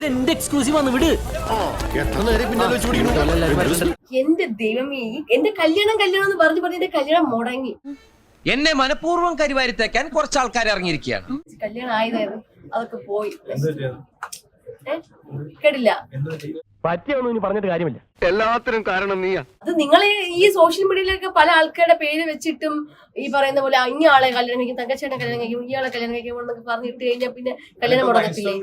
എന്റെ എക്സ്ക്ലൂസീവ് വന്ന് വിട്. എന്റെ ദൈവമേ, എന്റെ കല്യാണം എന്ന് പറഞ്ഞു എന്റെ കല്യാണം മുടങ്ങി. എന്നെ മനഃപൂർവ്വം കരിവാരിത്തേക്കാൻ കുറച്ച് ആൾക്കാർ ഇറങ്ങിയിരിക്കുകയാണ്. കല്യാണം ആയതായിരുന്നു, അതൊക്കെ പോയി. കേട്ടില്ല, പറ്റിയൊന്നും ഇനി പറഞ്ഞിട്ട് കാര്യമില്ല. എല്ലാത്തിനും കാരണം നീയാ. അത് നിങ്ങളെ ഈ സോഷ്യൽ മീഡിയയിലൊക്കെ പല ആൾക്കാരുടെ പേര് വെച്ചിട്ടും ഈ പറയുന്ന പോലെ ഇനി ആളെ കല്യാണം കഴിക്കും, തങ്കച്ചേട്ടനെ കല്യാണം കഴിക്കും, ഇയാളെ കല്യാണം കഴിക്കും എന്നൊക്കെ പറഞ്ഞിട്ട് കഴിഞ്ഞാൽ പിന്നെ കല്യാണം മുടങ്ങത്തില്ലേ?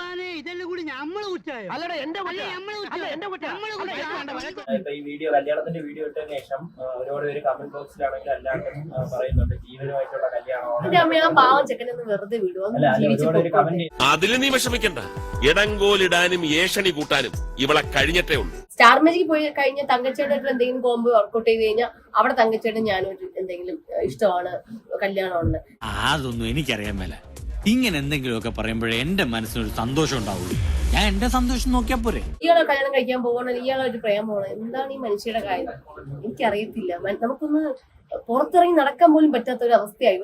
ഈ വീഡിയോ കല്യാണത്തിന്റെ വീഡിയോ ഇട്ടതിന് ശേഷം ഒരുപാട് പേര് കമന്റ് ബോക്സിലാണെങ്കിൽ എല്ലാവരും പറയുന്നുണ്ട് ജീവനുമായിട്ടുള്ള കല്യാണമാണ്. എന്റെ അമ്മ ആ പാവം ചെക്കനൊന്ന് വെറുതെ വിടും. അതിൽ നീ വിഷമിക്കണ്ട. ഇടങ്കോലിടാനും ഏഷണി കൂട്ടാനും ഇവളെ കഴിഞ്ഞിട്ടേ ഉള്ളൂ. സ്റ്റാർ മാജിക് പോയി കഴിഞ്ഞ തങ്കച്ചേട്ടനായിട്ട് എന്തെങ്കിലും കോമ്പോ വർക്കൗട്ട് ചെയ്ത് കഴിഞ്ഞാൽ അവിടെ തങ്കച്ചേട്ടൻ ഞാനും എന്തെങ്കിലും ഇഷ്ടമാണ്, കല്യാണമാണ്. അതൊന്നും എനിക്കറിയാൻ മേല. ഇങ്ങനെ എന്തെങ്കിലുമൊക്കെ പറയുമ്പോഴേ എന്റെ മനസ്സിനൊരു സന്തോഷം ഉണ്ടാവുള്ളൂ. ഞാൻ എന്റെ സന്തോഷം നോക്കിയാ പോരെ. ഇയാളെ കല്യാണം കഴിക്കാൻ പോകണം, ഇയാളെ ഒരു പ്രേമം പോകണം, എന്താണ് ഈ മനുഷ്യരുടെ കാര്യം? എനിക്കറിയത്തില്ല. നമുക്കൊന്ന് പുറത്തിറങ്ങി നടക്കാൻ പോലും പറ്റാത്ത ഒരു അവസ്ഥയായി.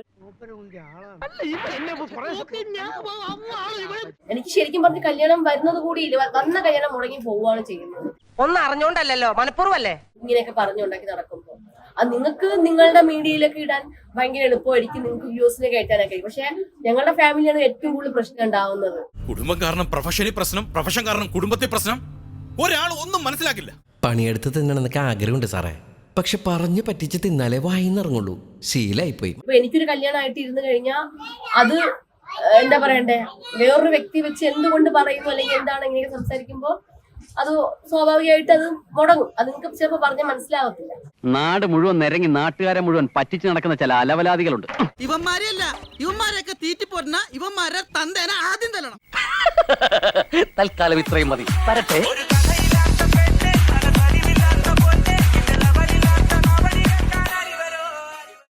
എനിക്ക് ശരിക്കും പറഞ്ഞ കല്യാണം വരുന്നത് കൂടിയില്ല, വന്ന കല്യാണം മുടങ്ങി പോവുകയാണ് ചെയ്യുന്നത്. ഒന്നും അറിഞ്ഞോണ്ടല്ലോ, മനഃപൂർവ്വല്ലേ ഇങ്ങനെയൊക്കെ പറഞ്ഞുണ്ടാക്കി നടക്കുമ്പോൾ അത് നിങ്ങൾക്ക് നിങ്ങളുടെ മീഡിയയിലൊക്കെ ഇടാൻ ഭയങ്കര എളുപ്പമായിരിക്കും, നിങ്ങൾക്ക് വ്യൂസിനെ കയറ്റാനൊക്കെ. പക്ഷെ ഞങ്ങളുടെ ഫാമിലിയാണ് ഏറ്റവും കൂടുതൽ പ്രശ്നം ഉണ്ടാവുന്നത്. കുടുംബം കാരണം പ്രൊഫഷനിൽ പ്രശ്നം, പ്രൊഫഷൻ കാരണം കുടുംബത്തെ പ്രശ്നം. ഒരാൾ ഒന്നും മനസ്സിലാക്കില്ല. പണിയെടുത്ത് തിന്നണമെന്നൊക്കെ ആഗ്രഹമുണ്ട് സാറേ, പക്ഷെ പറഞ്ഞു പറ്റിച്ച് തിന്നാലേ വായിന്നിറങ്ങുള്ളൂ. ശീലായിപ്പോയി. അപ്പൊ എനിക്കൊരു കല്യാണമായിട്ട് ഇരുന്ന് കഴിഞ്ഞാൽ അത് എന്താ പറയണ്ടേ, വേറൊരു വ്യക്തി വെച്ച് എന്തുകൊണ്ട് പറയുന്നു അല്ലെങ്കിൽ എന്താണ് ഇങ്ങനെ സംസാരിക്കുമ്പോൾ അത് സ്വാഭാവികമായിട്ട് അത് മുടങ്ങും. അത് നിങ്ങൾക്ക് ചിലപ്പോൾ പറഞ്ഞാൽ മനസ്സിലാവത്തില്ല. നാട് മുഴുവൻ നിരങ്ങി നാട്ടുകാരെ മുഴുവൻ പറ്റിച്ച് നടക്കുന്ന ചില അലവലാദികളുണ്ട്. ഇവന്മാരെയല്ല, ഇവന്മാരെയൊക്കെ തീറ്റിപ്പോരുന്ന ഇവന്മാരെ തന്തേനെ ആദ്യം തല്ലണം. തൽക്കാലം ഇത്രയും മതി.